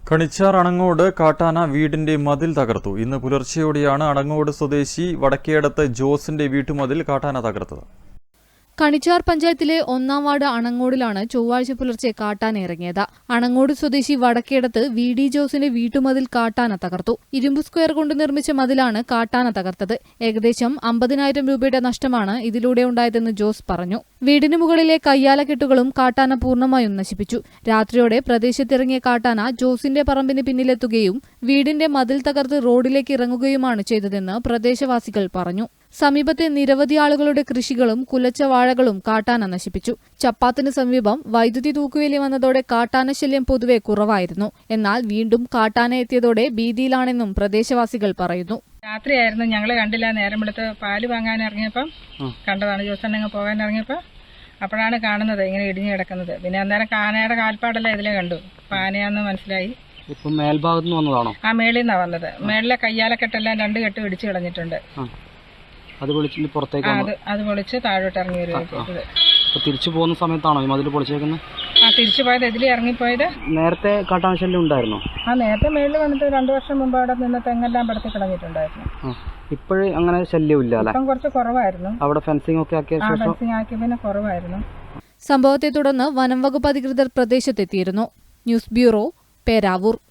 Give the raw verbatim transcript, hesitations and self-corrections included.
കണിച്ചാർ അണങ്ങോട് കാട്ടാന വീടിന്റെ മതിൽ തകർത്തു. ഇന്ന് പുലർച്ചെയോടെയാണ് അണങ്ങോട് സ്വദേശി വടക്കേടത്ത് ജോസിന്റെ വീട്ടുമതിൽ കാട്ടാന തകർത്തത്. കണിച്ചാർ പഞ്ചായത്തിലെ ഒന്നാം വാർഡ് അണങ്ങോടിലാണ് ചൊവ്വാഴ്ച പുലർച്ചെ കാട്ടാന ഇറങ്ങിയത്. അണങ്ങോട് സ്വദേശി വടക്കേടത്ത് വി ഡി ജോസിന്റെ വീട്ടുമതിൽ കാട്ടാന തകർത്തു. ഇരുമ്പ് സ്ക്വയർ കൊണ്ട് നിർമ്മിച്ച മതിലാണ് കാട്ടാന തകർത്തത്. ഏകദേശം അമ്പതിനായിരം രൂപയുടെ നഷ്ടമാണ് ഇതിലൂടെ ഉണ്ടായതെന്ന് ജോസ് പറഞ്ഞു. വീടിന് മുകളിലെ കയ്യാലക്കെട്ടുകളും കാട്ടാന പൂർണ്ണമായും നശിപ്പിച്ചു. രാത്രിയോടെ പ്രദേശത്തിറങ്ങിയ കാട്ടാന ജോസിന്റെ പറമ്പിന് പിന്നിലെത്തുകയും വീടിന്റെ മതിൽ തകർത്ത് റോഡിലേക്ക് ഇറങ്ങുകയുമാണ് ചെയ്തതെന്ന് പ്രദേശവാസികൾ പറഞ്ഞു. സമീപത്തെ നിരവധി ആളുകളുടെ കൃഷികളും കുലച്ച വാഴകളും കാട്ടാന നശിപ്പിച്ചു. ചപ്പാത്തിന് സമീപം വൈദ്യുതി തൂക്കുവേലി വന്നതോടെ കാട്ടാന ശല്യം പൊതുവെ കുറവായിരുന്നു. എന്നാൽ വീണ്ടും കാട്ടാന എത്തിയതോടെ ഭീതിയിലാണെന്നും പ്രദേശവാസികൾ പറയുന്നു. രാത്രിയായിരുന്നു, ഞങ്ങൾ കണ്ടില്ല. നേരം വെളുത്ത് പാല് വാങ്ങാൻ ഇറങ്ങിയപ്പം കണ്ടതാണ്. ജോസണ്ണങ്ങ് പോകാൻ ഇറങ്ങിയപ്പോൾ അപ്പോഴാണ് കാണുന്നത് ഇങ്ങനെ ഇടിഞ്ഞു കിടക്കുന്നത്. പിന്നെ അന്നേരം കാനയുടെ കാൽപ്പാടല്ല ഇതിലെ കണ്ടു. പാനയാന്ന് മനസ്സിലായി. ഇപ്പം മേൽഭാഗത്ത് നിന്ന് വന്നതാണോ? ആ മേളിൽ നിന്നാണ് വന്നത്. മേളിലെ കയ്യാലക്കെട്ടെല്ലാം രണ്ട് കെട്ട് ഇടിച്ചു കളഞ്ഞിട്ടുണ്ട്. അത് പൊളിച്ചിട്ട് പുറത്തേക്ക് അത് പൊളിച്ച് താഴോട്ട് ഇറങ്ങി വരുന്നത്. തിരിച്ചു പോകുന്ന സമയത്താണോ ഈ മതിൽ പൊളിച്ചേക്കുന്നത്? ആ തിരിച്ചു പോയത്, ഇതിൽ ഇറങ്ങിപ്പോയത്. നേരത്തെ കാട്ടാന ശല്യം ഉണ്ടായിരുന്നോ? ആ നേരത്തെ മേളിൽ വന്നിട്ട് രണ്ടു വർഷം മുമ്പ് അവിടെ നിന്ന് തെങ്ങെല്ലാം പടത്തി കളഞ്ഞിട്ടുണ്ടായിരുന്നു. ഇപ്പോഴും അങ്ങനെ ശല്യം ഇല്ല അല്ലേ? ഇപ്പം കുറച്ച് കുറവായിരുന്നു. അവിടെ ഫെൻസിംഗ് ഒക്കെ ആക്കിയ ശേഷം ഫെൻസിംഗ് ആക്കിയ പിന്നെ കുറവായിരുന്നു. സംഭവത്തെ തുടർന്ന് വനം വകുപ്പ് അധികൃതർ പ്രദേശത്തെത്തിയിരുന്നു. News bureau, Peravoor.